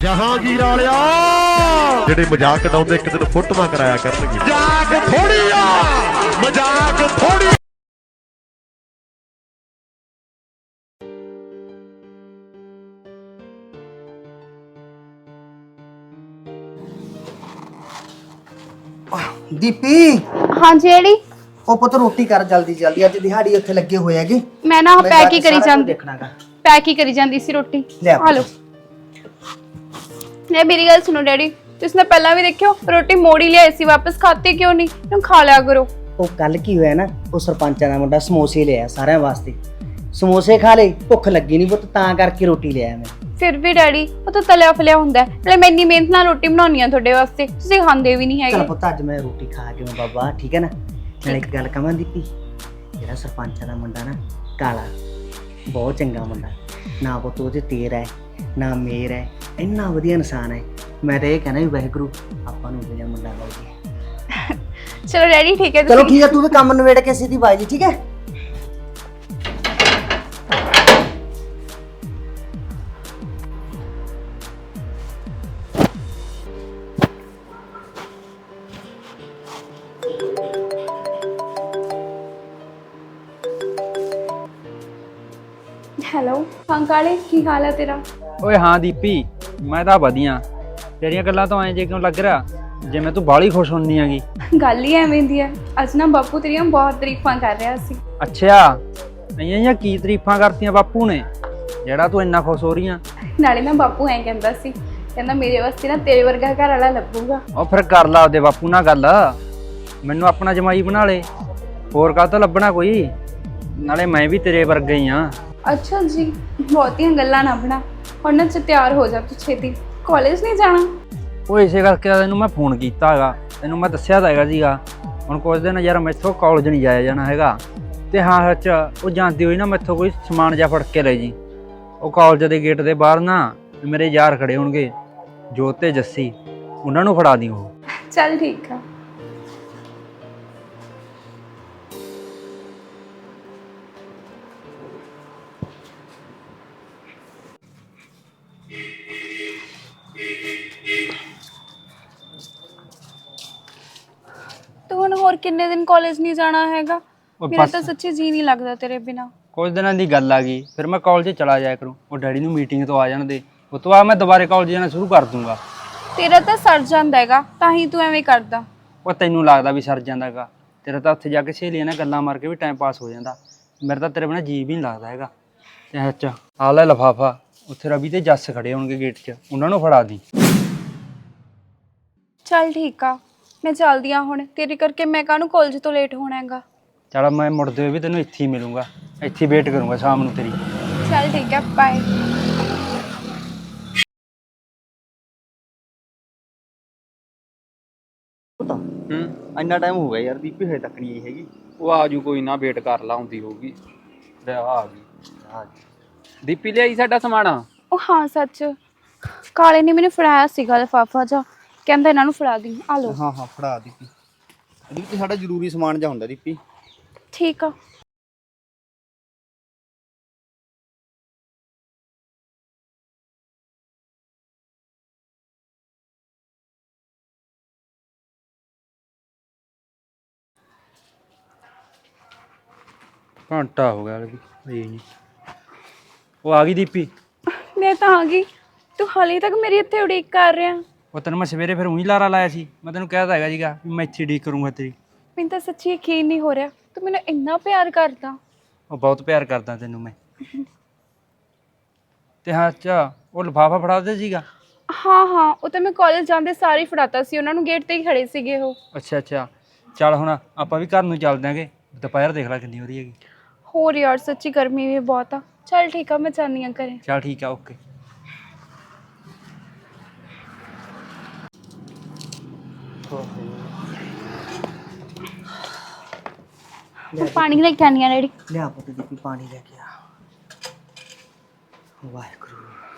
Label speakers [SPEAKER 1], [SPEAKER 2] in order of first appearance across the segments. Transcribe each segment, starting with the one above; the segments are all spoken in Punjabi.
[SPEAKER 1] ਜਹਾਂਗੀਰ ਵਾਲਿਆ ਜਿਹੜੇ ਮਜ਼ਾਕ ਉਡਾਉਂਦੇ ਇੱਕ ਦਿਨ ਫੋਟੋਆਂ ਕਰਾਇਆ ਕਰਨਗੇ। ਮਜ਼ਾਕ ਥੋੜੀ ਆ, ਮਜ਼ਾਕ ਥੋੜੀ।
[SPEAKER 2] ਦੀਪੀ
[SPEAKER 3] हाँ जी एड़ी
[SPEAKER 2] ਉਹ ਪੁੱਤ ਰੋਟੀ ਕਰ ਜਲਦੀ ਜਲਦੀ, ਅੱਜ ਦਿਹਾੜੀ ਉੱਥੇ ਲੱਗੇ ਹੋਏ ਹੈਗੇ।
[SPEAKER 3] मैं ना पैक ही करी जांदी
[SPEAKER 2] ਦੇਖਣਾਗਾ
[SPEAKER 3] पैक ही करी जांदी सी रोटी।
[SPEAKER 2] ले आ।
[SPEAKER 3] हेलो ने मेरी गल सुनो डैडी, तुसने पहला भी देखियो रोटी मोड़ी ले ऐसी वापस खाते क्यों नहीं? तुम खा लिया करो।
[SPEAKER 2] ਉਹ ਕੱਲ ਕੀ ਹੋਇਆ ਨਾ, ਉਹ ਸਰਪੰਚਾਂ ਦਾ ਮੁੰਡਾ ਸਮੋਸੇ ਲਿਆ ਸਾਰਿਆਂ ਵਾਸਤੇ। ਸਮੋਸੇ ਖਾ ਲਏ, ਭੁੱਖ ਲੱਗੀ ਨਹੀਂ ਪੁੱਤ, ਤਾਂ ਕਰਕੇ ਰੋਟੀ ਲਿਆ ਮੈਂ।
[SPEAKER 3] फिर भी डैडी वो तो तलिया फलिया हुंदा है, नाले मैं इन्नी मेहनत नाल रोटी बनाउनी है ਤੁਹਾਡੇ ਵਾਸਤੇ, ਤੁਸੀਂ ਖਾਂਦੇ ਵੀ ਨਹੀਂ
[SPEAKER 2] ਚੱਲ
[SPEAKER 3] ਹੈਗੇ।
[SPEAKER 2] ਪੁੱਤ ਅੱਜ ਮੈਂ ਰੋਟੀ ਖਾ ਕੇ ਮੈਂ ਬਾਬਾ ਠੀਕ ਹੈ ਨਾ। ਨਾਲ ਇੱਕ ਗੱਲ ਕਹਾਂ ਦੀਪੀ, ਜਿਹੜਾ ਸਰਪੰਚਾਂ ਦਾ ਮੁੰਡਾ ਨਾ ਕਾਲਾ, ਬਹੁਤ ਚੰਗਾ ਮੁੰਡਾ, ਨਾ ਪੁੱਤ ਉਹਦੇ ਤੇਰ ਹੈ ਨਾ ਮੇਰ ਹੈ, ਇੰਨਾ ਵਧੀਆ ਇਨਸਾਨ ਹੈ। ਮੈਂ ਤਾਂ ਇਹ ਕਹਿਣਾ ਵੀ ਵਾਹਿਗੁਰੂ ਆਪਾਂ ਨੂੰ ਜਿਹੜਾ ਮੁੰਡਾ ਮਿਲ ਜੇ।
[SPEAKER 3] ਚਲੋ ਡੈਡੀ ਠੀਕ ਹੈ,
[SPEAKER 2] ਚਲੋ ਠੀਕ ਹੈ, ਤੂੰ ਵੀ ਕੰਮ ਨਵੇੜ ਕੇ ਸਿੱਧੀ ਬਾਜੀ ਠੀਕ ਹੈ।
[SPEAKER 3] ਹੈਲੋ ਹਾਂ ਕਾਲੇ, ਕੀ ਹਾਲ ਹੈ ਤੇਰਾ?
[SPEAKER 4] ਓਏ ਹਾਂ ਦੀਪੀ, ਮੈਂ ਤਾਂ ਵਧੀਆ। ਤੇਰੀਆਂ ਗੱਲਾਂ ਤੋਂ ਐਂ ਜੇ ਕਿਉਂ ਲੱਗ ਰਿਹਾ ਜਿਵੇਂ ਤੂੰ ਬਾਹਲੀ ਖੁਸ਼ ਹੁੰਨੀ ਹੈਗੀ।
[SPEAKER 3] ਗੱਲ ਹੀ ਐਵੇਂ ਦੀ ਹੈ, ਅੱਜ ਨਾ ਬਾਪੂ ਤੇਰੀਆਂ ਬਹੁਤ ਤਾਰੀਫਾਂ ਕਰ ਰਿਹਾ ਸੀ।
[SPEAKER 4] ਅੱਛਾ, ਇੰਨੀਆਂ ਕੀ ਤਾਰੀਫਾਂ ਕਰਤੀਆਂ ਬਾਪੂ ਨੇ ਜਿਹੜਾ ਤੂੰ ਇੰਨਾ ਖੁਸ਼ ਹੋ ਰਹੀ ਆ?
[SPEAKER 3] ਨਾਲੇ ਨਾ ਬਾਪੂ ਐਂ ਕਹਿੰਦਾ ਸੀ, ਕਹਿੰਦਾ ਮੇਰੇ ਵਾਸਤੇ ਨਾ ਤੇਰੇ ਵਰਗਾ ਘਰ ਵਾਲਾ ਲੱਭੂਗਾ।
[SPEAKER 4] ਉਹ ਫਿਰ ਕਰ ਲਾ ਆਪਦੇ ਬਾਪੂ ਨਾਲ ਗੱਲ, ਮੈਨੂੰ ਆਪਣਾ ਜਮਾਈ ਬਣਾ ਲੈ, ਹੋਰ ਕਾਹ ਤੋਂ ਲੱਭਣਾ ਕੋਈ। ਨਾਲੇ ਮੈਂ ਵੀ ਤੇਰੇ ਵਰਗਾ ਹੀ ਆ।
[SPEAKER 3] ਅੱਛਾ ਜੀ, ਬਹੁਤੀਆਂ ਗੱਲਾਂ ਨਾ ਬਣਾ, ਹੁਣ ਨਾ ਤਿਆਰ ਹੋ ਜਾ ਤੂੰ ਛੇਤੀ, ਕਾਲਜ ਨਹੀਂ ਜਾਣਾ?
[SPEAKER 4] ਉਹ ਇਸੇ ਕਰਕੇ ਤੈਨੂੰ ਮੈਂ ਫੋਨ ਕੀਤਾ ਹੈਗਾ, ਤੈਨੂੰ ਮੈਂ ਦੱਸਿਆ ਤਾਂ ਹੈਗਾ ਸੀਗਾ। ਹੁਣ ਕੁਝ ਦਿਨ ਯਾਰ ਮੈਥੋਂ ਕਾਲਜ ਨਹੀਂ ਜਾਇਆ ਜਾਣਾ ਹੈਗਾ। ਤੇ ਹਾਂ ਸੱਚ, ਉਹ ਜਾਂਦੀ ਹੋਈ ਨਾ ਮੈਥੋਂ ਕੋਈ ਸਮਾਨ ਜਿਹਾ ਫੜ ਕੇ ਲੈ ਜੀ। ਉਹ ਕਾਲਜ ਦੇ ਗੇਟ ਦੇ ਬਾਹਰ ਨਾ ਮੇਰੇ ਯਾਰ ਖੜੇ ਹੋਣਗੇ, ਜੋਤ ਤੇ ਜੱਸੀ, ਉਹਨਾਂ ਨੂੰ ਫੜਾ ਦੀ ਉਹ।
[SPEAKER 3] ਚੱਲ ਠੀਕ ਆ। ਤੂੰ ਹੁਣ ਹੋਰ ਕਿੰਨੇ ਦਿਨ ਕਾਲਜ ਨਹੀਂ ਜਾਣਾ ਹੈਗਾ? ਮੇਰਾ ਤਾਂ ਸੱਚੀ ਜੀ ਨਹੀਂ ਲੱਗਦਾ ਤੇਰੇ ਬਿਨਾ।
[SPEAKER 4] ਕੁਝ ਦਿਨਾਂ ਦੀ ਗੱਲ ਆ ਗਈ, ਫਿਰ ਮੈਂ ਕਾਲਜ ਚਲਾ ਜਾਇਆ ਕਰੂੰ। ਉਹ ਡੈਡੀ ਨੂੰ ਮੀਟਿੰਗ ਤੋਂ ਆ ਜਾਣ ਦੇ, ਉਸ ਤੋਂ ਬਾਅਦ ਮੈਂ ਦੁਬਾਰੇ ਕਾਲਜ ਜਾਣਾ ਸ਼ੁਰੂ ਕਰ ਦੂੰਗਾ।
[SPEAKER 3] ਤੇਰਾ ਤਾਂ ਸਰ ਜਾਂਦਾ ਹੈਗਾ, ਤਾਂ ਹੀ ਤੂੰ ਐਵੇਂ ਕਰਦਾ।
[SPEAKER 4] ਉਹ ਤੈਨੂੰ ਲੱਗਦਾ ਵੀ ਸਰ ਜਾਂਦਾ ਹੈਗਾ, ਤੇਰਾ ਤਾਂ ਉੱਥੇ ਜਾ ਕੇ ਸਹੇਲੀਆਂ ਨਾਲ ਗੱਲਾਂ ਮਾਰ ਕੇ ਵੀ ਟਾਈਮ ਪਾਸ ਹੋ ਜਾਂਦਾ। ਮੇਰਾ ਤਾਂ ਤੇਰੇ ਬਿਨਾਂ ਜੀ ਵੀ ਨਹੀਂ ਲੱਗਦਾ ਹੈਗਾ। ਤੇ ਅੱਛਾ ਆ ਲੈ ਲਿਫਾਫਾ, ਉੱਥੇ ਰਵੀ ਤੇ ਜੱਸ ਖੜੇ ਹੋਣਗੇ ਗੇਟ 'ਚ, ਉਹਨਾਂ ਨੂੰ ਫੜਾ ਦੀ।
[SPEAKER 3] ਚੱਲ ਠੀਕ ਆ, ਮੈਂ ਚੱਲਦੀ ਆ ਹੁਣ, ਤੇਰੇ ਕਰਕੇ ਮੈਂ ਕਾਹਨੂੰ ਕਾਲਜ ਤੋਂ ਲੇਟ ਹੋਣਾ ਹੈਗਾ।
[SPEAKER 4] ਚਲ ਮੈਂ ਮੁੜਦੇ ਹੋਏ ਵੀ ਤੈਨੂੰ ਇੱਥੇ ਹੀ ਮਿਲੂੰਗਾ, ਇੱਥੇ ਵੇਟ ਕਰੂੰਗਾ ਸ਼ਾਮ ਨੂੰ ਤੇਰੀ।
[SPEAKER 3] ਚੱਲ ਠੀਕ ਹੈ, ਬਾਏ।
[SPEAKER 2] ਇੰਨਾ ਟਾਈਮ ਹੋ ਗਿਆ ਯਾਰ, ਦੀਪੀ ਹਜੇ ਤੱਕ ਨਹੀਂ ਆਈ ਹੈਗੀ।
[SPEAKER 4] ਉਹ ਆਜੂ, ਕੋਈ ਨਾ, ਵੇਟ ਕਰ ਲਾ, ਹੁੰਦੀ ਹੋਊਗੀ। ਆ ਗਈ ਦੀਪੀ, ਲਿਆਈ ਸਾਡਾ ਸਮਾਨ।
[SPEAKER 3] ਉਹ ਹਾਂ ਸੱਚ, ਕਾਲੇ ਨੇ ਮੈਨੂੰ ਫੜਾਇਆ ਸੀਗਾ ਲਿਫਾਫਾ ਜਾ, ਕਹਿੰਦਾ ਇਹਨਾਂ ਨੂੰ ਫੜਾ ਦੀ। ਆ ਲੋ।
[SPEAKER 2] ਹਾਂ ਹਾਂ ਫੜਾ ਦੀਪੀ, ਦੀਪੀ ਸਾਡਾ ਜ਼ਰੂਰੀ ਸਮਾਨ ਜਾ ਹੁੰਦਾ ਦੀਪੀ।
[SPEAKER 3] ਠੀਕ ਆ।
[SPEAKER 4] ਘੰਟਾ ਹੋ ਗਿਆ ਵੀ। ਉਹ ਆ ਗਈ ਦੀਪੀ।
[SPEAKER 3] ਮੈਂ ਤਾਂ ਆ ਗਈ, ਤੂੰ ਹਾਲੇ ਤੱਕ ਮੇਰੀ ਇੱਥੇ ਉਡੀਕ ਕਰ ਰਿਹਾ।
[SPEAKER 4] ਉਹ ਤੈਨੂੰ ਮੈਂ ਸਵੇਰੇ ਫਿਰ ਉਹੀ ਲਾਰਾ ਲਾਇਆ ਸੀ, ਮੈਂ ਤੈਨੂੰ ਕਹਿ ਤਾ ਹੈਗਾ ਸੀਗਾ ਵੀ ਮੈਂ ਇੱਥੇ ਉਡੀਕ ਕਰੂੰਗਾ ਤੇਰੀ।
[SPEAKER 3] ਮੈਨੂੰ ਤਾਂ ਸੱਚੀ ਯਕੀਨ ਨਹੀਂ ਹੋ ਰਿਹਾ, ਤੂੰ ਮੈਨੂੰ ਇੰਨਾ ਪਿਆਰ ਕਰਦਾ।
[SPEAKER 4] ਉਹ ਬਹੁਤ ਪਿਆਰ ਕਰਦਾ ਤੈਨੂੰ ਮੈਂ। ਤੇ ਹਾਂ ਅੱਛਾ, ਉਹ ਲਿਫਾਫਾ ਫੜਾ ਦੇ ਸੀਗਾ।
[SPEAKER 3] ਹਾਂ ਹਾਂ, ਉਹ ਤਾਂ ਮੈਂ ਕਾਲਜ ਜਾਂਦੇ ਸਾਰੇ ਫੜਾਤਾ ਸੀ ਉਹਨਾਂ ਨੂੰ, ਗੇਟ ਤੇ ਹੀ ਖੜੇ ਸੀਗੇ ਉਹ।
[SPEAKER 4] ਅੱਛਾ ਅੱਛਾ, ਚੱਲ ਹੁਣ ਆਪਾਂ ਵੀ ਘਰ ਨੂੰ ਚੱਲ ਦਿਆਂਗੇ, ਦੁਪਹਿਰ ਦੇਖ ਲੈ ਕਿੰਨੀ ਹੋ ਰਹੀ ਹੈਗੀ।
[SPEAKER 3] ਹੋਰ ਯਾਰ ਸੱਚੀ ਗਰਮੀ ਵੀ ਬਹੁਤ ਆ। ਚੱਲ ਠੀਕ ਆ, ਮੈਂ ਜਾਂਦੀ ਹਾਂ ਘਰੇ।
[SPEAKER 4] ਚੱਲ ਠੀਕ ਆ, ਓਕੇ।
[SPEAKER 3] ਪਾਣੀ ਲੈ ਕੇ ਆਨੀ ਆ ਡੈਡੀ।
[SPEAKER 2] ਲਿਆ ਪੁੱਤ ਦੀਪੀ, ਪਾਣੀ ਲੈ ਕੇ ਆ। ਵਾਹਿਗੁਰੂ,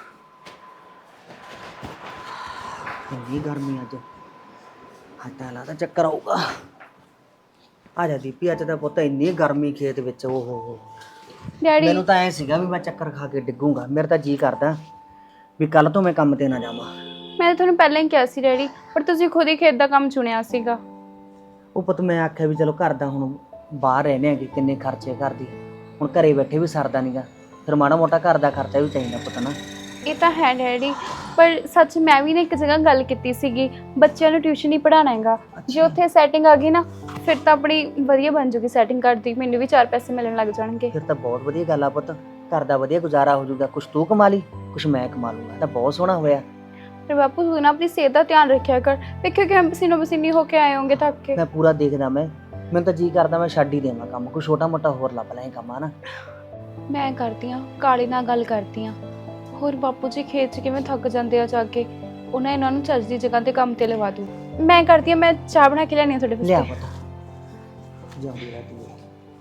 [SPEAKER 2] ਇੰਨੀ ਗਰਮੀ ਅੱਜ, ਹੱਟਾ ਲਾ ਤਾਂ ਚੱਕਰ ਆਊਗਾ। ਆ ਜਾ ਦੀਪੀ, ਅੱਜ ਤਾਂ ਪੁੱਤ ਇੰਨੀ ਗਰਮੀ ਖੇਤ ਵਿੱਚ, ਓਹੋ
[SPEAKER 3] ਡੈਡੀ
[SPEAKER 2] ਮੈਨੂੰ ਤਾਂ ਐ ਸੀਗਾ ਵੀ ਮੈਂ ਚੱਕਰ ਖਾ ਕੇ ਡਿੱਗੂਗਾ। ਮੇਰਾ ਤਾਂ ਜੀ ਕਰਦਾ ਵੀ ਕੱਲ ਤੋਂ ਮੈਂ ਕੰਮ ਤੇ ਨਾ ਜਾਵਾਂ।
[SPEAKER 3] ਮੈਂ ਤੁਹਾਨੂੰ ਪਹਿਲਾਂ ਹੀ ਕਿਹਾ ਸੀ ਡੈਡੀ, ਪਰ ਤੁਸੀਂ ਖੁਦ ਹੀ ਖੇਤ ਦਾ ਕੰਮ ਚੁਣਿਆ ਸੀਗਾ।
[SPEAKER 2] ਉਹ ਪੁੱਤ ਮੈਂ ਆਖਿਆ ਵੀ ਚਲੋ ਘਰ ਦਾ ਹੁਣ ਬਾਹਰ ਰਹਿੰਦੇ ਆਂਗੇ, ਕਿੰਨੇ ਖਰਚੇ ਘਰ ਦੀ, ਹੁਣ ਘਰੇ ਬੈਠੇ ਵੀ ਸਰਦਾ ਨਹੀਂਗਾ, ਫਿਰ ਮਾੜਾ ਮੋਟਾ ਘਰ ਦਾ ਖਰਚਾ ਵੀ ਚਾਹੀਦਾ ਪੁੱਤ ਨਾ।
[SPEAKER 3] ਇਹ ਤਾਂ ਹੈ ਡੈਡੀ, ਪਰ ਸੱਚ ਮੈਂ ਵੀ ਨਾ ਇੱਕ ਜਗ੍ਹਾ ਗੱਲ ਕੀਤੀ ਸੀਗੀ, ਬੱਚਿਆਂ ਨੂੰ ਟਿਊਸ਼ਨ ਹੀ ਪੜ੍ਹਾਉਣਾ ਹੈਗਾ। ਜੇ ਉੱਥੇ ਸੈਟਿੰਗ ਆ ਗਈ ਨਾ ਫਿਰ ਤਾਂ ਆਪਣੀ ਵਧੀਆ ਬਣ ਜੂਗੀ ਸੈਟਿੰਗ ਕਰਦੀ, ਮੈਨੂੰ ਵੀ 4 ਪੈਸੇ ਮਿਲਣ ਲੱਗ ਜਾਣਗੇ।
[SPEAKER 2] ਫਿਰ ਤਾਂ ਬਹੁਤ ਵਧੀਆ ਗੱਲ ਆ ਪੁੱਤ, ਘਰ ਦਾ ਵਧੀਆ ਗੁਜ਼ਾਰਾ ਹੋ ਜਾਊਗਾ, ਕੁਛ ਤੂੰ ਕਮਾ ਲਈ ਕੁਛ ਮੈਂ ਕਮਾ ਲੂੰਗਾ, ਤਾਂ ਬਹੁਤ ਸੋਹਣਾ ਹੋਇਆ।
[SPEAKER 3] ਪਰ ਬਾਪੂ ਤੂੰ ਨਾ ਆਪਣੀ ਸਿਹਤ ਦਾ ਧਿਆਨ ਰੱਖਿਆ ਕਰ, ਵੇਖਿਓ ਕਿ ਹਮ ਪਸੀਨੋ ਪਸੀਨੀ ਹੋ ਕੇ ਆਏ ਹੋਗੇ ਥੱਕ ਕੇ।
[SPEAKER 2] ਮੈਂ ਪੂਰਾ ਦੇਖਦਾ, ਮੈਨੂੰ ਤਾਂ ਜੀ ਕਰਦਾ ਮੈਂ ਛੱਡ ਹੀ ਦੇਵਾਂ ਕੰਮ, ਕੋਈ ਛੋਟਾ ਮੋਟਾ ਹੋਰ ਲੱਭ ਲੈ ਕੰਮ ਆ ਨਾ।
[SPEAKER 3] ਮੈਂ ਕਰਦੀ ਹਾਂ ਕਾਲੇ ਨਾਲ ਗੱਲ ਕਰਦੀ ਹਾਂ, ਹੋਰ ਬਾਪੂ ਜੀ ਖੇਤ 'ਚ ਕਿਵੇਂ ਥੱਕ ਜਾਂਦੇ ਆ ਜਾ ਕੇ, ਇਹਨਾਂ ਨੂੰ ਚੱਜ ਦੀ ਜਗ੍ਹਾ ਤੇ ਕੰਮ ਤੇ ਲਵਾ ਦੂ। ਮੈਂ ਕਰਦੀ ਹਾਂ, ਮੈਂ ਚਾਹ ਬਣਾ ਕੇ ਲਿਆਉਣੀ ਆ ਤੁਹਾਡੇ
[SPEAKER 2] ਲਿਆ
[SPEAKER 3] ਵਾਸਤੇ।
[SPEAKER 2] ਪੁੱਤ ਜਾਂਦੀ ਰਹੀ ਹੈ।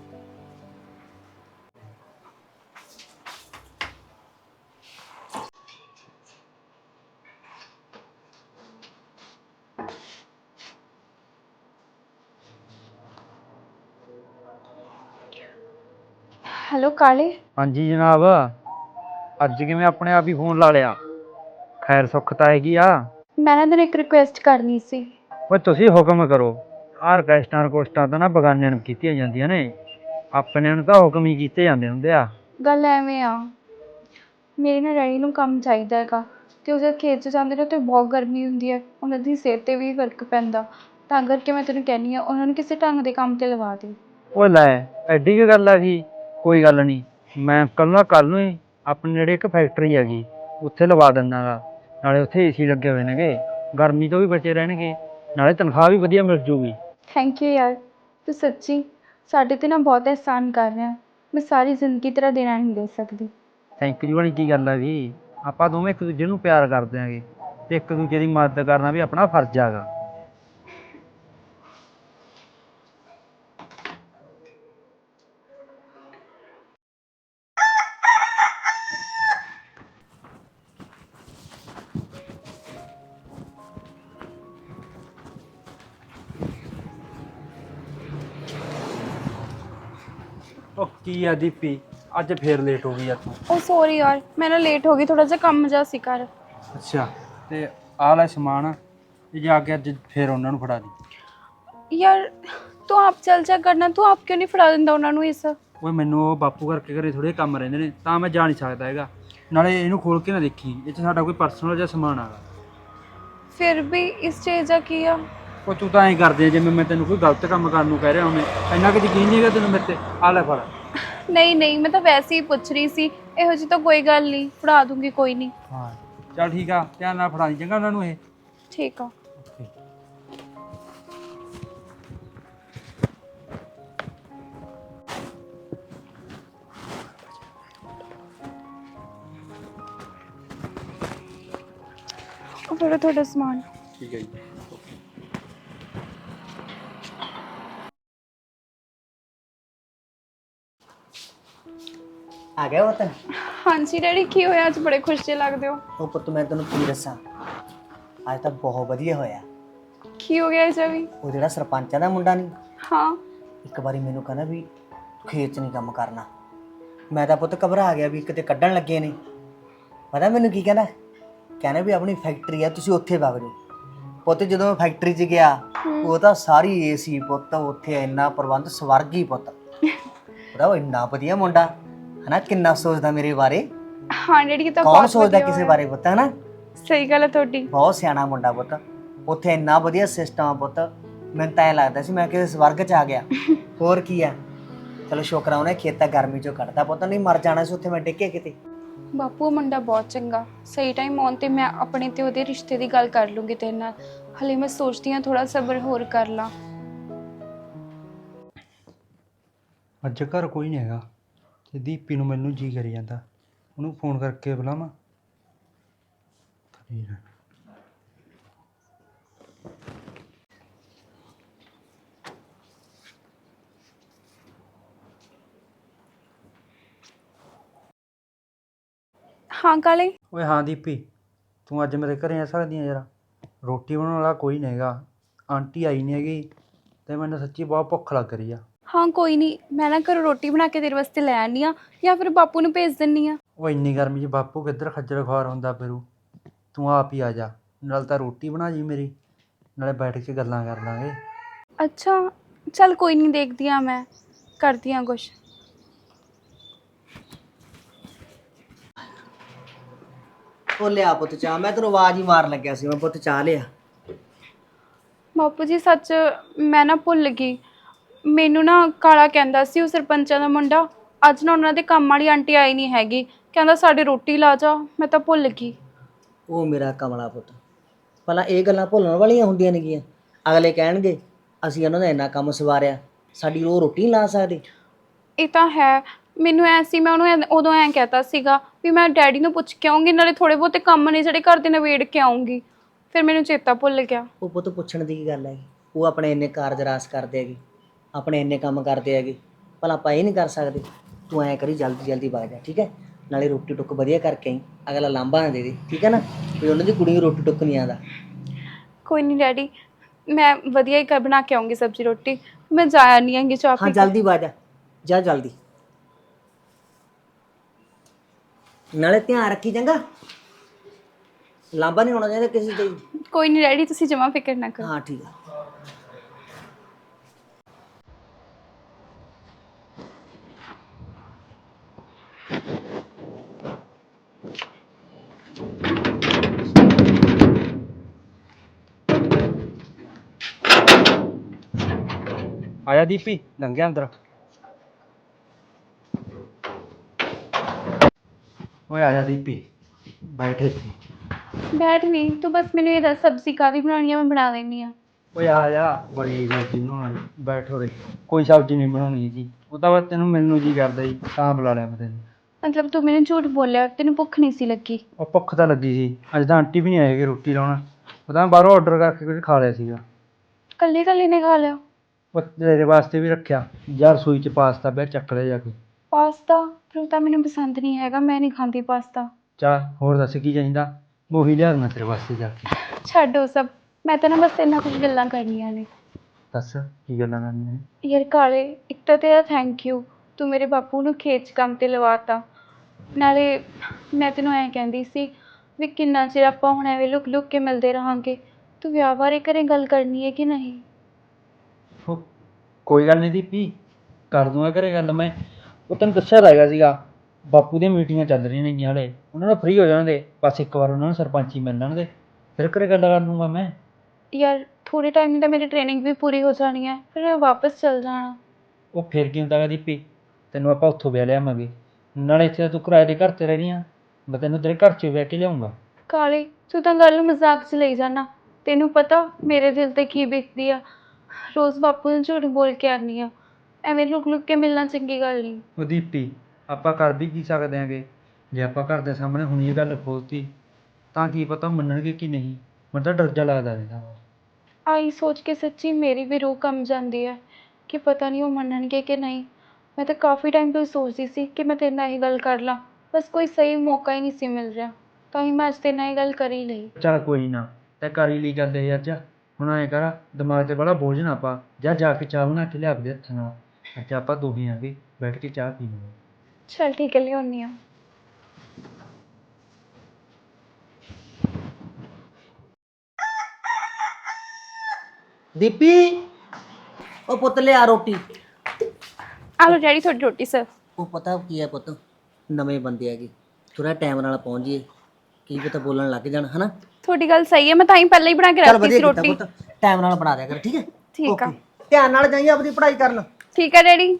[SPEAKER 3] ਹੈਲੋ ਕਾਲੇ।
[SPEAKER 4] ਹਾਂਜੀ ਜਨਾਬ, ਅੱਜ ਕਿਵੇਂ ਆਪਣੇ ਆਪ ਹੀ ਫੋਨ ਲਾ ਲਿਆ? ਖੈਰ ਸੁੱਖ ਤਾਂ ਹੈਗੀ ਆ।
[SPEAKER 3] ਮੈਂ ਨਾ ਤੈਨੂੰ ਇੱਕ ਰਿਕੁਐਸਟ ਕਰਨੀ ਸੀ।
[SPEAKER 4] ਓਏ ਤੁਸੀਂ ਹੁਕਮ ਕਰੋ। ਆਹ ਰਿਕੁਐਸਟਾਂ ਤਾਂ ਨਾ ਬਗਾਨਿਆਂ ਨੂੰ ਕੀਤੀਆਂ ਜਾਂਦੀਆਂ ਨੇ, ਆਪਣੇ ਨੂੰ ਤਾਂ ਹੁਕਮ ਹੀ ਕੀਤੇ ਜਾਂਦੇ ਹੁੰਦੇ ਆ।
[SPEAKER 3] ਗੱਲ ਐਵੇਂ ਆ, ਮੇਰੇ ਨਾਲ ਡੈਡੀ ਨੂੰ ਕੰਮ ਚਾਹੀਦਾ ਹੈਗਾ, ਅਤੇ ਉਹ ਜਦ ਖੇਤ 'ਚ ਜਾਂਦੇ ਨੇ ਉੱਥੇ ਬਹੁਤ ਗਰਮੀ ਹੁੰਦੀ ਹੈ, ਉਹਨਾਂ ਦੀ ਸਿਹਤ 'ਤੇ ਵੀ ਫਰਕ ਪੈਂਦਾ, ਤਾਂ ਕਰਕੇ ਮੈਂ ਤੈਨੂੰ ਕਹਿੰਦੀ ਹਾਂ ਉਹਨਾਂ ਨੂੰ ਕਿਸੇ ਢੰਗ ਦੇ ਕੰਮ 'ਤੇ ਲਵਾ ਦੇ।
[SPEAKER 4] ਓਏ ਲੈ, ਐਡੀ ਕੀ ਗੱਲ ਆ ਗਈ? ਕੋਈ ਗੱਲ ਨਹੀਂ, ਮੈਂ ਕੱਲ੍ਹ ਨੂੰ ਹੀ ਆਪਣੇ ਨੇੜੇ ਇੱਕ ਫੈਕਟਰੀ ਹੈਗੀ, ਉੱਥੇ ਲਵਾ ਦਿੰਦਾ ਗਾ। ਨਾਲੇ ਉੱਥੇ ਏਸੀ ਲੱਗੇ ਹੋਏ ਨੇਗੇ, ਗਰਮੀ ਤੋਂ ਵੀ ਬਚੇ ਰਹਿਣਗੇ, ਨਾਲੇ ਤਨਖਾਹ ਵੀ ਵਧੀਆ ਮਿਲ ਜੂਗੀ।
[SPEAKER 3] ਥੈਂਕ ਯੂ ਯਾਰ, ਤੂੰ ਸੱਚੀ ਸਾਡੇ 'ਤੇ ਨਾ ਬਹੁਤ ਅਹਿਸਾਨ ਕਰ ਰਿਹਾ, ਮੈਂ ਸਾਰੀ ਜ਼ਿੰਦਗੀ ਤੇਰਾ ਦੇਣਾ ਨਹੀਂ ਦੇ ਸਕਦੀ।
[SPEAKER 4] ਥੈਂਕ ਯੂ ਵਾਲੀ ਕੀ ਗੱਲ ਆ ਜੀ, ਆਪਾਂ ਦੋਵੇਂ ਇੱਕ ਦੂਜੇ ਨੂੰ ਪਿਆਰ ਕਰਦੇ ਆਂਗੇ, ਅਤੇ ਇੱਕ ਦੂਜੇ ਦੀ ਮਦਦ ਕਰਨਾ ਵੀ ਆਪਣਾ ਫਰਜ਼ ਹੈਗਾ। ਉਹ ਕੀ ਆ ਦੀਪੀ, ਅੱਜ ਫੇਰ ਲੇਟ ਹੋ ਗਈ ਆ ਤੂੰ?
[SPEAKER 3] ਉਹ ਸੌਰੀ ਯਾਰ, ਮੈਂ ਨਾ ਲੇਟ ਹੋ ਗਈ, ਥੋੜਾ ਜਿਹਾ ਕੰਮ ਜਿਹਾ ਸੀ ਘਰ।
[SPEAKER 4] ਅੱਛਾ, ਤੇ ਆਹ ਲੈ ਸਮਾਨ, ਇਹ ਜਾ ਕੇ ਅੱਜ ਫੇਰ ਉਹਨਾਂ ਨੂੰ ਫੜਾ ਦੀ।
[SPEAKER 3] ਯਾਰ ਤੂੰ ਆਪ ਚੱਲ ਜਾ ਕਰਨਾ, ਤੂੰ ਆਪ ਕਿਉਂ ਨਹੀਂ ਫੜਾ ਦਿੰਦਾ ਉਹਨਾਂ ਨੂੰ ਇਸ?
[SPEAKER 4] ਓਏ ਮੈਨੂੰ ਉਹ ਬਾਪੂ ਕਰਕੇ ਘਰੇ ਥੋੜੇ ਕੰਮ ਰਹਿੰਦੇ ਨੇ, ਤਾਂ ਮੈਂ ਜਾ ਨਹੀਂ ਸਕਦਾ ਹੈਗਾ। ਨਾਲੇ ਇਹਨੂੰ ਖੋਲ ਕੇ ਨਾ ਦੇਖੀ, ਇਹ 'ਚ ਸਾਡਾ ਕੋਈ ਪਰਸਨਲ ਜਿਹਾ ਸਮਾਨ ਆਗਾ।
[SPEAKER 3] ਫਿਰ ਵੀ ਇਸ ਚੀਜ਼ ਦਾ ਕੀ ਆ?
[SPEAKER 4] ਉਹ ਤੂੰ ਤਾਂ ਐਂ ਕਰਦੇ ਜਿਵੇਂ ਮੈਂ ਤੈਨੂੰ ਕੋਈ ਗਲਤ ਕੰਮ ਕਰਨ ਨੂੰ ਕਹਿ ਰਿਹਾ ਹੋਵੇਂ, ਇੰਨਾ ਕਿ ਯਕੀਨ ਨਹੀਂ ਹੈਗਾ ਤੈਨੂੰ ਮੇਰੇ ਤੇ? ਆ ਲੈ ਫੜ।
[SPEAKER 3] ਨਹੀਂ, ਮੈਂ ਤਾਂ ਵੈਸੇ ਹੀ ਪੁੱਛ ਰਹੀ ਸੀ, ਇਹੋ ਜਿਹੀ ਤਾਂ ਕੋਈ ਗੱਲ ਨਹੀਂ, ਫੜਾ ਦੂੰਗੀ, ਕੋਈ ਨਹੀਂ।
[SPEAKER 4] ਹਾਂ ਚੱਲ ਠੀਕ ਆ, ਧਿਆਨ ਨਾਲ ਫੜਾ ਦੀ ਚੰਗਾ ਉਹਨਾਂ ਨੂੰ ਇਹ।
[SPEAKER 3] ਠੀਕ ਆ। ਉਹ ਫਿਰ ਤੁਹਾਡਾ ਸਮਾਨ।
[SPEAKER 4] ਠੀਕ ਹੈ ਜੀ।
[SPEAKER 2] ਆ ਗਿਆ ਪੁੱਤ?
[SPEAKER 3] ਹਾਂਜੀ ਡੈਡੀ, ਕੀ ਹੋਇਆ ਅੱਜ ਬੜੇ ਖੁਸ਼ ਜਿਹੇ ਲੱਗਦੇ ਹੋ?
[SPEAKER 2] ਉਹ ਪੁੱਤ ਮੈਂ ਤੈਨੂੰ ਕੀ ਦੱਸਾਂ, ਅੱਜ ਤਾਂ ਬਹੁਤ ਵਧੀਆ ਹੋਇਆ।
[SPEAKER 3] ਕੀ ਹੋ ਗਿਆ ਇਹ ਵੀ?
[SPEAKER 2] ਉਹ ਜਿਹੜਾ ਸਰਪੰਚਾਂ ਦਾ ਮੁੰਡਾ ਨਹੀਂ,
[SPEAKER 3] ਹਾਂ।
[SPEAKER 2] ਇੱਕ ਵਾਰੀ ਮੈਨੂੰ ਕਹਿੰਦਾ ਵੀ ਖੇਤ 'ਚ ਨਹੀਂ ਕੰਮ ਕਰਨਾ। ਮੈਂ ਤਾਂ ਪੁੱਤ ਘਬਰਾ ਗਿਆ ਵੀ ਕਿਤੇ ਕੱਢਣ ਲੱਗੇ ਨੇ। ਪਤਾ ਮੈਨੂੰ ਕੀ ਕਹਿੰਦਾ ਵੀ ਆਪਣੀ ਫੈਕਟਰੀ ਆ, ਤੁਸੀਂ ਉੱਥੇ ਵਗ ਜਾਓ। ਪੁੱਤ ਜਦੋਂ ਮੈਂ ਫੈਕਟਰੀ 'ਚ ਗਿਆ, ਉਹ ਤਾਂ ਸਾਰੀ ਏਸੀ ਪੁੱਤ, ਉੱਥੇ ਇੰਨਾ ਪ੍ਰਬੰਧ ਸਵਰਗ ਹੀ ਪੁੱਤ। ਉਹਦਾ ਉਹ ਇੰਨਾ ਵਧੀਆ ਮੁੰਡਾ ਹਨਾ, ਕਿੰਨਾ ਸੋਚਦਾ ਮੇਰੇ ਬਾਰੇ।
[SPEAKER 3] ਹਾਂ ਡੈਡੀ, ਇਹ ਤਾਂ
[SPEAKER 2] ਕੌਣ
[SPEAKER 3] ਬਹੁਤ
[SPEAKER 2] ਸੋਚਦਾ
[SPEAKER 3] ਵਧੀਆ
[SPEAKER 2] ਕਿਸੇ
[SPEAKER 3] ਹੋਇਆ।
[SPEAKER 2] ਬਾਰੇ ਪੁੱਤ, ਹਨਾ?
[SPEAKER 3] ਸਹੀ ਗੱਲ ਹੈ ਤੁਹਾਡੀ।
[SPEAKER 2] ਬਹੁਤ ਸਿਆਣਾ ਮੁੰਡਾ ਪੁੱਤ, ਉੱਥੇ ਇੰਨਾ ਵਧੀਆ ਸਿਸਟਮ ਆ ਪੁੱਤ, ਮੈਨੂੰ ਤਾਂ ਐਂ ਲੱਗਦਾ ਸੀ ਮੈਂ ਕਿਸੇ ਸਵਰਗ 'ਚ ਆ ਗਿਆ। ਹੋਰ ਕੀ ਆ, ਚਲੋ ਸ਼ੁਕਰ ਆ ਉਹਨੇ ਖੇਤਾਂ ਗਰਮੀ 'ਚੋਂ ਕੱਢਤਾ ਪੁੱਤ, ਨਹੀਂ ਮਰ ਜਾਣਾ ਸੀ ਉੱਥੇ ਮੈਂ ਡਿੱਗੇ ਕਿਤੇ।
[SPEAKER 3] ਬਾਪੂ ਉਹ ਮੁੰਡਾ ਬਹੁਤ ਚੰਗਾ, ਸਹੀ ਟਾਈਮ ਆਉਣ 'ਤੇ ਮੈਂ ਆਪਣੇ ਤੇ ਉਹਦੇ ਰਿਸ਼ਤੇ ਦੀ ਗੱਲ ਕਰ ਲੂੰਗੀ ਤੇਰੇ ਨਾਲ। ਹਲੇ ਮੈਂ ਸੋਚਦੀ ਹਾਂ ਥੋੜਾ ਸਬਰ ਹੋਰ ਕਰ ਲਾਂ।
[SPEAKER 4] ਅੱਜ ਘਰ ਕੋਈ ਨਹੀਂ ਹੈਗਾ, ਤੇ ਦੀਪੀ ਨੂੰ ਮੈਨੂੰ ਜੀ ਕਰੀ ਜਾਂਦਾ, ਉਹਨੂੰ ਫੋਨ ਕਰਕੇ ਬੁਲਾਵਾਂ।
[SPEAKER 3] ਹਾਂ ਕਾਲੇ।
[SPEAKER 4] ਓਏ ਹਾਂ ਦੀਪੀ, ਤੂੰ ਅੱਜ ਮੇਰੇ ਘਰੇ ਆ ਸਕਦੀ ਆ ਯਾਰ? ਰੋਟੀ ਬਣਾਉਣ ਵਾਲਾ ਕੋਈ ਨਹੀਂ ਹੈਗਾ, ਆਂਟੀ ਆਈ ਨਹੀਂ ਹੈਗੀ, ਤੇ ਮੈਨੂੰ ਸੱਚੀ ਬਹੁਤ ਭੁੱਖ ਲੱਗ ਰਹੀ ਆ।
[SPEAKER 3] ਹਾਂ ਕੋਈ ਨਹੀਂ, ਮੈਂ ਨਾ ਘਰੋਂ ਰੋਟੀ ਬਣਾ ਕੇ ਤੇਰੇ ਵਾਸਤੇ ਲੈ ਆਉਂਦੀ ਹਾਂ, ਜਾਂ ਫਿਰ ਬਾਪੂ ਨੂੰ ਭੇਜ ਦਿੰਦੀ ਹਾਂ।
[SPEAKER 4] ਉਹ ਇੰਨੀ ਗਰਮੀ 'ਚ ਬਾਪੂ ਕਿੱਧਰ ਖੱਜਲ ਖੁਆਰ ਹੁੰਦਾ ਫਿਰੂ, ਤੂੰ ਆਪ ਹੀ ਆ ਜਾ, ਨਾਲ ਤਾਂ ਰੋਟੀ ਬਣਾ ਜੀ ਮੇਰੀ, ਨਾਲੇ ਬੈਠ ਕੇ ਗੱਲਾਂ ਕਰ ਲਾਂਗੇ।
[SPEAKER 3] ਅੱਛਾ ਚੱਲ ਕੋਈ ਨਹੀਂ, ਦੇਖਦੀ ਹਾਂ ਮੈਂ, ਕਰਦੀ ਹਾਂ ਕੁਛ।
[SPEAKER 2] ਉਹ ਲਿਆ ਪੁੱਤ ਚਾਹ, ਮੈਂ ਤੈਨੂੰ ਆਵਾਜ਼ ਹੀ ਮਾਰ ਲੱਗਿਆ ਸੀ, ਮੈਂ ਪੁੱਤ ਚਾਹ ਲਿਆ।
[SPEAKER 3] ਬਾਪੂ ਜੀ ਸੱਚ ਮੈਂ ਨਾ ਭੁੱਲ ਗਈ, ਮੈਨੂੰ ਨਾ ਕਾਲਾ ਕਹਿੰਦਾ ਸੀ ਉਹ ਸਰਪੰਚਾਂ ਦਾ ਮੁੰਡਾ, ਅੱਜ ਨਾ ਉਹਨਾਂ ਦੇ ਕੰਮ ਵਾਲੀ ਆਂਟੀ ਆਈ ਨਹੀਂ ਹੈਗੀ, ਕਹਿੰਦਾ ਸਾਡੀ ਰੋਟੀ ਲਾ ਜਾ, ਮੈਂ ਤਾਂ ਭੁੱਲ ਗਈ।
[SPEAKER 2] ਉਹ ਮੇਰਾ ਕਮਲਾ ਪੁੱਤ, ਭਲਾ ਇਹ ਗੱਲਾਂ ਭੁੱਲਣ ਵਾਲੀਆਂ ਹੁੰਦੀਆਂ ਨੇਗੀਆਂ? ਅਗਲੇ ਕਹਿਣਗੇ ਅਸੀਂ ਉਹਨਾਂ ਦਾ ਇੰਨਾ ਕੰਮ ਸਵਾਰਿਆ, ਸਾਡੀ ਉਹ ਰੋਟੀ ਨਹੀਂ ਲਾ ਸਕਦੇ।
[SPEAKER 3] ਇਹ ਤਾਂ ਹੈ, ਮੈਨੂੰ ਐ ਸੀ, ਮੈਂ ਉਹਨੂੰ ਉਦੋਂ ਐਂ ਕਹਿਤਾ ਸੀਗਾ ਵੀ ਮੈਂ ਡੈਡੀ ਨੂੰ ਪੁੱਛ ਕੇ ਆਉਂਗੀ, ਨਾਲੇ ਥੋੜੇ ਬਹੁਤੇ ਕੰਮ ਨੇ ਜਿਹੜੇ ਘਰ ਦੇ ਨਿਬੇੜ ਕੇ ਆਉਂਗੀ, ਫਿਰ ਮੈਨੂੰ ਚੇਤਾ ਭੁੱਲ ਗਿਆ।
[SPEAKER 2] ਉਹ ਪੁੱਤ ਪੁੱਛਣ ਦੀ ਕੀ ਗੱਲ ਹੈ? ਉਹ ਆਪਣੇ ਇੰਨੇ ਕਾਰਜ ਰਾਸ ਕਰਦੇ ਹੈਗੇ, ਆਪਣੇ ਇੰਨੇ ਕੰਮ ਕਰਦੇ ਹੈਗੇ, ਭਲਾ ਆਪਾਂ ਇਹ ਨਹੀਂ ਕਰ ਸਕਦੇ? ਤੂੰ ਐਂ ਕਰੀ ਜਲਦੀ ਜਲਦੀ ਵਗ ਜਾ, ਠੀਕ ਹੈ? ਨਾਲੇ ਰੋਟੀ ਟੁੱਕ ਵਧੀਆ ਕਰਕੇ ਆਈ, ਅਗਲਾ ਲਾਂਭਾ ਨਾ ਦੇ ਦੇ, ਠੀਕ ਹੈ ਨਾ? ਵੀ ਉਹਨਾਂ ਦੀ ਕੁੜੀ ਨੂੰ ਰੋਟੀ ਟੁੱਕ ਨਹੀਂ ਆਉਂਦਾ।
[SPEAKER 3] ਕੋਈ ਨਹੀਂ ਡੈਡੀ, ਮੈਂ ਵਧੀਆ ਹੀ ਬਣਾ ਕੇ ਆਉਂਗੀ ਸਬਜ਼ੀ ਰੋਟੀ, ਮੈਂ ਜਾਇਆ ਨਹੀਂ ਆਂਗੀ ਚਾਹ
[SPEAKER 2] ਹਾਂ
[SPEAKER 3] ਪੀ ਕੇ।
[SPEAKER 2] ਜਲਦੀ ਵਗ ਜਾ, ਜਾ ਜਲਦੀ, ਨਾਲੇ ਧਿਆਨ ਰੱਖੀ ਚੰਗਾ, ਲਾਂਭਾ ਨਹੀਂ ਹੋਣਾ ਚਾਹੀਦਾ ਕਿਸੇ ਤੇ।
[SPEAKER 3] ਕੋਈ ਨਹੀਂ ਡੈਡੀ, ਤੁਸੀਂ ਜਮਾ ਫਿਕਰ ਨਾ ਕਰੋ।
[SPEAKER 2] ਹਾਂ ਠੀਕ ਆ।
[SPEAKER 4] ਆਇਆ ਦੀਪੀ, ਲੰਘਿਆ ਅੰਦਰ। ਓਏ ਆਇਆ ਦੀਪੀ, ਬੈਠੇ ਸੀ।
[SPEAKER 3] ਬੈਠ ਨਹੀਂ, ਤੂੰ ਬਸ ਮੈਨੂੰ ਇਹ ਦੱਸ ਸਬਜ਼ੀ ਕਾਹਦੀ ਬਣਾਉਣੀ ਆ, ਮੈਂ ਬਣਾ ਲੈਂਦੀ ਹਾਂ।
[SPEAKER 4] ਓਏ ਆ ਜਾ, ਬੜੀ ਸਬਜ਼ੀ ਬਣਾਉਣੀ, ਬੈਠੋ ਰੇ। ਕੋਈ ਸਬਜ਼ੀ ਨਹੀਂ ਬਣਾਉਣੀ ਜੀ, ਉਹ ਤਾਂ ਬਸ ਤੈਨੂੰ ਮਿਲਣ ਨੂੰ ਜੀ ਕਰਦਾ ਜੀ, ਤਾਂ ਬੁਲਾ ਲਿਆ ਮੈਂ ਤੈਨੂੰ।
[SPEAKER 3] ਮਤਲਬ ਤੂੰ ਮੈਨੂੰ ਝੂਠ ਬੋਲਿਆ, ਤੈਨੂੰ ਭੁੱਖ ਨਹੀਂ ਸੀ ਲੱਗੀ?
[SPEAKER 4] ਉਹ ਭੁੱਖ ਤਾਂ ਲੱਗੀ ਸੀ, ਅੱਜ ਤਾਂ ਆਂਟੀ ਵੀ ਨਹੀਂ ਆਏਗੀ ਰੋਟੀ ਲਾਉਣ, ਉਹ ਤਾਂ ਬਾਹਰੋਂ ਆਰਡਰ ਕਰਕੇ ਕੁਝ ਖਾ ਲਿਆ ਸੀਗਾ।
[SPEAKER 3] ਕੱਲੀ ਕੱਲੀ ਨੇ ਖਾ ਲਿਆ?
[SPEAKER 4] ਉਹ ਤੇਰੇ ਵਾਸਤੇ ਵੀ ਰੱਖਿਆ ਯਾਰ, ਰਸੋਈ 'ਚ ਪਾਸਤਾ ਪਿਆ, ਚੱਕ ਲਿਆ ਜਾ ਕੇ।
[SPEAKER 3] ਪਾਸਤਾ? ਪਰ ਉਹ ਤਾਂ ਮੈਨੂੰ ਪਸੰਦ ਨਹੀਂ ਹੈਗਾ, ਮੈਂ ਨਹੀਂ ਖਾਂਦੀ ਪਾਸਤਾ।
[SPEAKER 4] ਚੱਲ ਹੋਰ ਦੱਸ ਕੀ ਚਾਹੀਦਾ, ਉਹੀ ਲਿਆ ਦੇਣਾ ਤੇਰੇ ਵਾਸਤੇ ਜਾ ਕੇ।
[SPEAKER 3] ਛੱਡ ਉਹ ਸਭ, ਮੈਂ ਤਾਂ ਨਾ ਬਸ ਇੰਨਾ ਕੁਝ ਗੱਲਾਂ ਕਰਨੀਆਂ ਨੇ।
[SPEAKER 4] ਦੱਸ ਕੀ ਗੱਲਾਂ ਕਰਨੀਆਂ ਨੇ?
[SPEAKER 3] ਯਾਰ ਕਾਲੇ, ਇੱਕ ਤਾਂ ਤੇਰਾ ਥੈਂਕ ਯੂ, ਤੂੰ ਮੇਰੇ ਬਾਪੂ ਨੂੰ ਖੇਤ 'ਚ ਕੰਮ 'ਤੇ ਲਵਾਤਾ। ਨਾਲੇ ਮੈਂ ਤੈਨੂੰ ਐਂ ਕਹਿੰਦੀ ਸੀ ਵੀ ਕਿੰਨਾ ਚਿਰ ਆਪਾਂ ਹੁਣ ਐਵੇਂ ਲੁਕ ਲੁਕ ਕੇ ਮਿਲਦੇ ਰਹਾਂਗੇ, ਤੂੰ ਵਿਆਹ ਬਾਰੇ ਘਰੇ ਗੱਲ ਕਰਨੀ ਹੈ ਕਿ ਨਹੀਂ?
[SPEAKER 4] ਉਹ ਕੋਈ ਗੱਲ ਨਹੀਂ ਦੀਪੀ, ਕਰ ਦੂੰਗਾ ਘਰੇ ਗੱਲ ਮੈਂ। ਉਹ ਤੈਨੂੰ ਦੱਸਿਆ ਤਾਂ ਹੈਗਾ ਸੀਗਾ, ਬਾਪੂ ਦੀਆਂ ਮੀਟਿੰਗਾਂ ਚੱਲ ਰਹੀਆਂ ਨੇਗੀਆਂ ਹਾਲੇ, ਉਹਨਾਂ ਨੂੰ ਫ੍ਰੀ ਹੋ ਜਾਣਗੇ, ਬਸ ਇੱਕ ਵਾਰ ਉਹਨਾਂ ਨੂੰ ਸਰਪੰਚੀ ਮਿਲ ਲੈਣਗੇ, ਫਿਰ ਘਰੇ ਗੱਲ ਕਰ ਲੂੰਗਾ ਮੈਂ।
[SPEAKER 3] ਯਾਰ ਥੋੜ੍ਹੇ ਟਾਈਮ ਦੀ ਤਾਂ ਮੇਰੀ ਟ੍ਰੇਨਿੰਗ ਵੀ ਪੂਰੀ ਹੋ ਜਾਣੀ ਹੈ, ਫਿਰ ਮੈਂ ਵਾਪਸ ਚਲ ਜਾਣਾ।
[SPEAKER 4] ਉਹ ਫਿਰ ਕੀ ਹੁੰਦਾ ਗਾ ਦੀਪੀ, ਤੈਨੂੰ ਆਪਾਂ ਉੱਥੋਂ ਵਿਆਹ ਲਿਆਵਾਂਗੇ, ਨਾਲੇ ਇੱਥੇ ਤਾਂ ਤੂੰ ਕਿਰਾਏ ਦੇ ਘਰ 'ਤੇ ਰਹਿਣੀ ਆ, ਮੈਂ ਤੈਨੂੰ ਤੇਰੇ ਘਰ 'ਚ ਵਿਆਹ ਕੇ ਲਿਆਉਂਗਾ।
[SPEAKER 3] ਕਾਲੇ ਤੂੰ ਤਾਂ ਗੱਲ ਮਜ਼ਾਕ 'ਚ ਲਈ ਜਾਣਾ, ਤੈਨੂੰ ਪਤਾ ਮੇਰੇ ਦਿਲ 'ਤੇ ਕੀ ਬੀਤਦੀ ਆ, ਰੋਜ਼ ਬਾਪੂ ਨੂੰ ਝੂਠ ਬੋਲ ਕੇ ਆਉਂਦੀ ਆ, ਐਵੇਂ ਲੁਕ ਲੁਕ ਕੇ ਮਿਲਣਾ ਚੰਗੀ ਗੱਲ ਨਹੀਂ।
[SPEAKER 4] ਉਹ ਦੀਪੀ ਆਪਾਂ ਕਰ ਵੀ ਕੀ ਸਕਦੇ ਆਂਗੇ, ਜੇ ਆਪਾਂ ਘਰ ਦੇ ਸਾਹਮਣੇ ਹੁਣ ਇਹ ਗੱਲ ਖੋਲਤੀ ਤਾਂ ਕੀ ਪਤਾ ਮੰਨਣਗੇ ਕਿ ਨਹੀਂ, ਮੈਨੂੰ ਤਾਂ ਡਰ ਜਾ ਲੱਗਦਾ ਰਹਿੰਦਾ।
[SPEAKER 3] ਆਈ ਸੋਚ ਕੇ ਸੱਚੀ ਮੇਰੀ ਵੀ ਰੂਹ ਕੰਬ ਜਾਂਦੀ ਹੈ ਕਿ ਪਤਾ ਨਹੀਂ ਉਹ ਮੰਨਣਗੇ ਕਿ ਨਹੀਂ। ਮੈਂ ਤਾਂ ਕਾਫੀ ਟਾਈਮ ਤੋਂ ਸੋਚਦੀ ਸੀ ਕਿ ਮੈਂ ਤੇਰੇ ਨਾਲ ਇਹ ਗੱਲ ਕਰ ਲਾਂ, ਬਸ ਕੋਈ ਸਹੀ ਮੌਕਾ ਹੀ ਨਹੀਂ ਸੀ ਮਿਲ ਰਿਹਾ, ਤਾਂ ਹੀ ਮੈਂ ਅੱਜ ਤੇਰੇ ਨਾਲ ਇਹ ਗੱਲ ਕਰ ਹੀ ਲਈ।
[SPEAKER 4] ਚੱਲ ਕੋਈ ਨਾ, ਤੈਂ ਕਰ ਹੀ ਲਈ ਗੱਲ ਇਹ ਅੱਜ, ਹੁਣ ਐਂ ਕਰ ਦਿਮਾਗ 'ਤੇ ਬੜਾ ਬੋਝ ਨਾ ਪਾ, ਜਾ ਕੇ ਚਾਹ ਬਣਾ ਕੇ ਲਿਆ ਦੇ ਹੱਥ ਨਾਲ, ਅੱਜ ਆਪਾਂ ਦੋਹੇ ਆਂਗੇ ਬੈਠ ਕੇ ਚਾਹ ਪੀਵਾਂਗੇ।
[SPEAKER 3] ਚੱਲ ਠੀਕ ਹੈ, ਲਿਆਉਂਦੀ ਹਾਂ।
[SPEAKER 2] ਦੀਪੀ, ਉਹ ਪੁੱਤ ਲਿਆ ਰੋਟੀ।
[SPEAKER 3] ਆ ਲਓ ਡੈਡੀ ਤੁਹਾਡੀ ਰੋਟੀ ਸਰ।
[SPEAKER 2] ਉਹ ਪਤਾ ਕੀ ਹੈ ਪੁੱਤ, ਨਵੇਂ ਬੰਦੇ ਹੈਗੇ, ਥੋੜਾ ਟਾਈਮ ਨਾਲ ਪਹੁੰਚ ਜਾਈਏ, ਕੀ ਪਤਾ ਬੋਲਣ ਲੱਗ ਜਾਣ, ਹਨਾ?
[SPEAKER 3] ਤੁਹਾਡੀ ਗੱਲ ਸਹੀ ਹੈ, ਮੈਂ ਤਾਂ ਹੀ ਪਹਿਲਾਂ ਹੀ ਬਣਾ ਕੇ
[SPEAKER 2] ਚੱਲ
[SPEAKER 3] ਰੱਖੀ
[SPEAKER 2] ਵਧੀਆ
[SPEAKER 3] ਸੀ
[SPEAKER 2] ਕੀਤਾ
[SPEAKER 3] ਰੋਟੀ।
[SPEAKER 2] ਪੁੱਤ, ਟਾਈਮ ਨਾਲ ਬਣਾ ਦਿਆ ਕਰ, ਠੀਕ ਹੈ?
[SPEAKER 3] ਠੀਕ ਆ।
[SPEAKER 2] Okay, ਧਿਆਨ ਨਾਲ ਜਾਈਏ ਆਪਣੀ ਪੜ੍ਹਾਈ ਕਰਨ।
[SPEAKER 3] ਠੀਕ ਹੈ ਡੈਡੀ।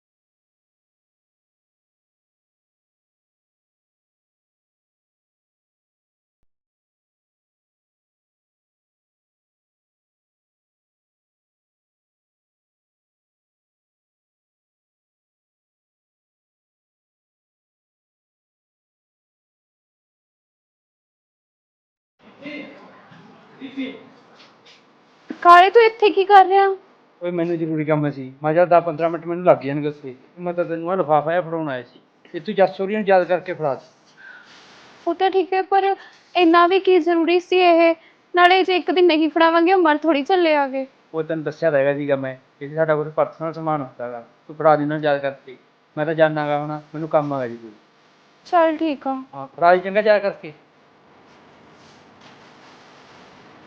[SPEAKER 3] ਕਾਲੇ ਤੂੰ ਇੱਥੇ ਕੀ ਕਰ ਰਿਹਾ?
[SPEAKER 4] ਓਏ ਮੈਨੂੰ ਜ਼ਰੂਰੀ ਕੰਮ ਸੀ, ਮੈਂ ਕਿਹਾ 10-15 ਮਿੰਟ ਮੈਨੂੰ ਲੱਗ ਜਾਣਗੇ ਉੱਥੇ, ਮੈਂ ਤਾਂ ਤੈਨੂੰ ਆਹ ਲਿਫਾਫਾ ਜਿਹਾ ਫੜਾਉਣ ਆਇਆ ਸੀ, ਇਹ ਤੂੰ ਜੱਸ ਸੋਰੀਆਂ ਨੂੰ ਯਾਦ ਕਰਕੇ ਫੜਾ ਦੇ।
[SPEAKER 3] ਉਹ ਤਾਂ ਠੀਕ ਹੈ, ਪਰ ਇੰਨਾ ਵੀ ਕੀ ਜ਼ਰੂਰੀ ਸੀ ਇਹ? ਨਾਲੇ ਜੇ ਇੱਕ ਦਿਨ ਨਹੀਂ ਫੜਾਵਾਂਗੇ ਉਹ ਮਰ ਥੋੜੀ ਚੱਲੇ ਆਗੇ।
[SPEAKER 4] ਉਹ ਤੈਨੂੰ ਦੱਸਿਆ ਤਾਂ ਹੈਗਾ ਸੀਗਾ ਮੈਂ, ਇਹ ਸਾਡਾ ਕੋਈ ਪਰਸਨਲ ਸਮਾਨ ਹੁੰਦਾ ਗਾ, ਤੂੰ ਫੜਾ ਦੇ ਇਹਨਾਂ ਨੂੰ ਯਾਦ ਕਰਕੇ, ਮੈਂ ਤਾਂ ਜਾਣਾ ਗਾ ਹੁਣ, ਮੈਨੂੰ ਕੰਮ ਆ ਜੀ ਕੋਈ।
[SPEAKER 3] ਚੱਲ ਠੀਕ ਆ।
[SPEAKER 4] ਹਾਂ ਫੜਾ ਦੀ ਚੰਗਾ ਯਾਦ ਕਰਕੇ।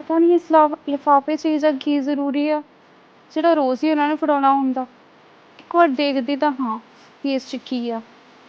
[SPEAKER 3] ਪਤਾ ਨਹੀਂ ਇਸ ਲਿਫਾਫੇ 'ਚ ਇਹ ਜਿਹਾ ਕੀ ਜ਼ਰੂਰੀ ਆ ਜਿਹੜਾ ਰੋਜ਼ ਹੀ ਉਹਨਾਂ ਨੇ ਫੜਾਉਣਾ ਹੁੰਦਾ। ਇੱਕ ਵਾਰ ਦੇਖਦੀ ਤਾਂ ਹਾਂ ਵੀ ਇਸ 'ਚ ਕੀ ਆ।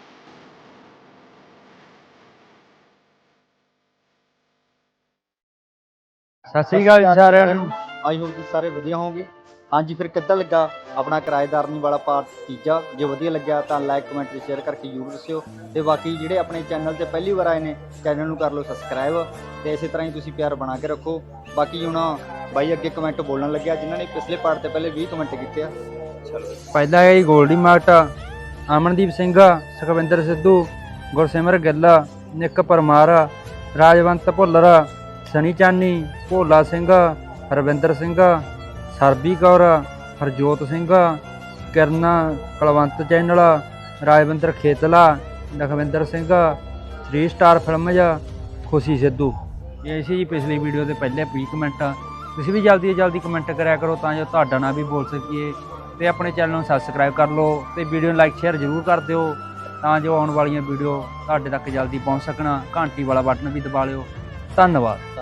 [SPEAKER 4] ਸਤਿ ਸ਼੍ਰੀ ਅਕਾਲ ਜੀ ਸਾਰਿਆਂ ਨੂੰ।
[SPEAKER 5] ਆਈ ਹੋਪ ਤੁਸੀਂ ਸਾਰੇ ਵਧੀਆ ਹੋਵੋਗੇ। ਹਾਂਜੀ, ਫਿਰ ਕਿੱਦਾਂ ਲੱਗਾ ਆਪਣਾ ਕਿਰਾਏਦਾਰਨੀ ਵਾਲਾ ਪਾਰਟ ਤੀਜਾ? ਜੇ ਵਧੀਆ ਲੱਗਿਆ ਤਾਂ ਲਾਈਕ ਕਮੈਂਟ ਤੇ ਸ਼ੇਅਰ ਕਰਕੇ ਜ਼ਰੂਰ ਦੱਸਿਓ। ਤੇ ਬਾਕੀ ਜਿਹੜੇ ਆਪਣੇ ਚੈਨਲ ਤੇ ਪਹਿਲੀ ਵਾਰ ਆਏ ਨੇ, ਚੈਨਲ ਨੂੰ ਕਰ ਲਓ ਸਬਸਕ੍ਰਾਈਬ ਤੇ ਇਸੇ ਤਰ੍ਹਾਂ ਹੀ ਤੁਸੀਂ ਪਿਆਰ ਬਣਾ ਕੇ ਰੱਖੋ। ਬਾਕੀ ਹੁਣ ਬਾਈ ਅੱਗੇ ਕਮੈਂਟ ਬੋਲਣ ਲੱਗਿਆ ਜਿਨ੍ਹਾਂ ਨੇ ਪਿਛਲੇ ਪਾਰਟ ਤੇ ਪਹਿਲੇ 20 ਕਮੈਂਟ ਕੀਤੇ ਆ।
[SPEAKER 4] ਪਹਿਲਾ ਹੈ ਜੀ Goldy mart, Amandeep Singh, Sukhwinder Sidhu, Gursimar Gill, Nikk Parmar, Rajwant Bhullar, Sunny Chani, Bhola Singh, Harvinder Singh, Sarbi Kaur, Harjot Singh, Kiran, Kulwant channel, Rajwinder Khetla, Lakhwinder Singh, 3 star films, Khushi Sidhu. ਇਹ ਸੀ ਜੀ ਪਿਛਲੀ ਵੀਡੀਓ ਦੇ ਪਹਿਲੇ 20 ਕਮੈਂਟ। ਤੁਸੀਂ ਵੀ ਜਲਦੀ ਤੋਂ ਜਲਦੀ ਕਮੈਂਟ ਕਰਿਆ ਕਰੋ ਤਾਂ ਜੋ ਤੁਹਾਡਾ ਨਾਂ ਵੀ ਬੋਲ ਸਕੀਏ। ਤੇ ਆਪਣੇ ਚੈਨਲ ਨੂੰ ਸਬਸਕ੍ਰਾਈਬ ਕਰ ਲਓ ਤੇ ਵੀਡੀਓ ਨੂੰ ਲਾਈਕ ਸ਼ੇਅਰ ਜ਼ਰੂਰ ਕਰ ਦਿਓ ਤਾਂ ਜੋ ਆਉਣ ਵਾਲੀਆਂ ਵੀਡੀਓ ਤੁਹਾਡੇ ਤੱਕ ਜਲਦੀ ਪਹੁੰਚ ਸਕਣ। ਘੰਟੀ ਵਾਲਾ ਬਟਨ ਵੀ ਦਬਾ ਲਿਓ। ਧੰਨਵਾਦ।